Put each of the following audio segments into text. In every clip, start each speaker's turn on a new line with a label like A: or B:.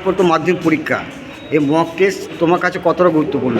A: পর তো মাধ্যমিক পরীক্ষা, এই মক টেস্ট তোমার কাছে কতটা গুরুত্বপূর্ণ?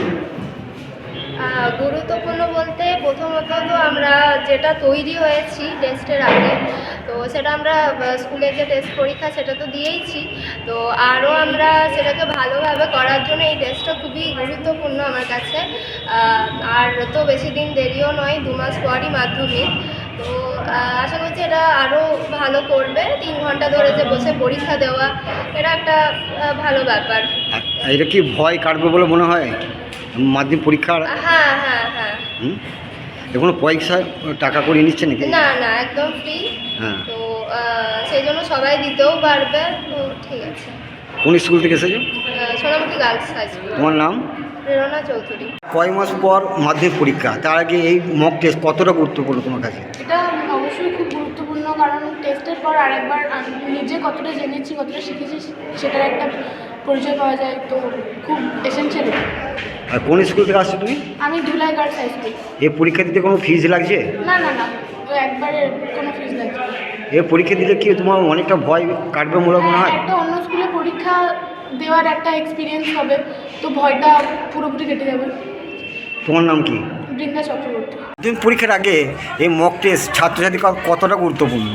B: গুরুত্বপূর্ণ বলতে প্রথমত তো আমরা যেটা তৈরি হয়েছি টেস্টের আগে, তো সেটা আমরা স্কুলে যে টেস্ট পরীক্ষা সেটা তো দিয়েইছি, তো আরও আমরা সেটাকে ভালোভাবে করার জন্য এই টেস্টটা খুবই গুরুত্বপূর্ণ আমার কাছে। আর তো বেশি দিন দেরিও নয়, 2 মাস পরই মাধ্যমিক। তো আশা করছি এটা আরও ভালো করবে। 3 ঘন্টা ধরে যে বসে পরীক্ষা দেওয়া, এটা একটা ভালো ব্যাপার।
A: আর এটা কি ভয় কাটবে বলে মনে হয় মাধ্যমিক পরীক্ষার?
B: হ্যাঁ হ্যাঁ হ্যাঁ।
A: কোনো পয়সা টাকা করে নিচ্ছে নাকি?
B: না না, একদম ফ্রি।
A: হ্যাঁ।
B: তো সেই জন্য সবাই দিতেও পারবে, তো ঠিক আছে।
A: কোন স্কুল থেকে এসেছো?
B: Sonamukhi girls high school.
A: তোমার নাম?
B: প্রেরণা চৌধুরী।
A: কয় মাস পর মাধ্যমিক পরীক্ষা, তার আগে এই মক টেস্ট কতটা গুরুত্বপূর্ণ তোমার কাছে?
C: এটা অবশ্যই খুব গুরুত্বপূর্ণ, কারণ টেস্টের পর আরেকবার নিজে কতটা জেনেছি, কতটা শিখেছি সেটার একটা পরিচয় পাওয়া যায়, তো খুব এসেনশিয়াল।
A: আর কোন স্কুল থেকে আসছো তুমি?
C: আমি ধুলাই গার্লস হাই স্কুল।
A: এই পরীক্ষা দিতে কোনো ফিজ লাগছে?
C: না না না, একবারে কোনো ফিজ লাগছে না।
A: এই পরীক্ষা দিলে কি তোমার অনেকটা ভয় কাটবে মনে হয়?
C: একটা অন্য স্কুলে পরীক্ষা দেওয়ার একটা এক্সপিরিয়েন্স হবে, তো ভয়টা পুরোপুরি কেটে যাবে।
A: তোমার নাম কি?
C: বৃন্দা চক্রবর্তী।
A: মাধ্যমিক পরীক্ষার আগে এই মক টেস্ট ছাত্রছাত্রী কতটা গুরুত্বপূর্ণ?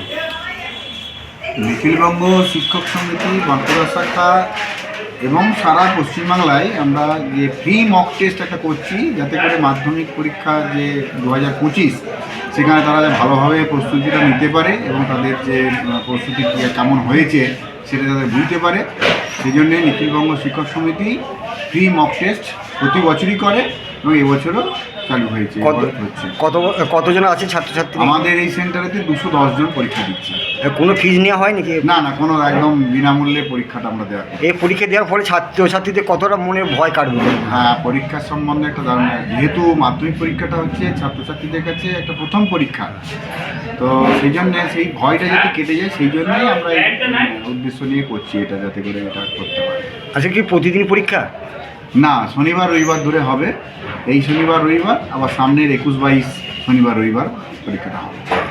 D: নিখিলবঙ্গ শিক্ষক সমিতি বাঁকুড়া শাখা এবং সারা পশ্চিমবাংলায় আমরা যে ফ্রি মক টেস্ট একটা করছি, যাতে করে মাধ্যমিক পরীক্ষা যে 2025 সেখানে তারা ভালোভাবে প্রস্তুতিটা নিতে পারে এবং তাদের যে প্রস্তুতি কেমন হয়েছে সেটা তাদের বুঝতে পারে। সেই জন্যে নিখিলবঙ্গ শিক্ষক সমিতি ফ্রি মক টেস্ট প্রতি বছরই করে এবং এবছরও চালু হয়েছে, হচ্ছে।
A: কতজন আছে ছাত্রছাত্রী
D: আমাদের এই সেন্টারেতে 210 জন পরীক্ষা দিচ্ছে।
A: কোনো ফিজ নেওয়া হয় নাকি?
D: না না, কোনো একদম বিনামূল্যে পরীক্ষাটা আমরা দেওয়া করি।
A: এই পরীক্ষা দেওয়ার ফলে ছাত্রছাত্রীদের কতটা মনে ভয় কাটবে?
D: হ্যাঁ, পরীক্ষার সম্বন্ধে একটা ধারণা, যেহেতু মাধ্যমিক পরীক্ষাটা হচ্ছে ছাত্রছাত্রীদের কাছে একটা প্রথম পরীক্ষা, তো সেই জন্য সেই ভয়টা যাতে কেটে যায় সেই জন্যই আমরা এই উদ্দেশ্য নিয়ে করছি এটা, যাতে করে এটা করতে পারি।
A: আচ্ছা, কি প্রতিদিন পরীক্ষা?
D: না, শনিবার রবিবার ধরে হবে। এই শনিবার রবিবার, আবার সামনের 21-22 শনিবার রবিবার পরীক্ষাটা হবে।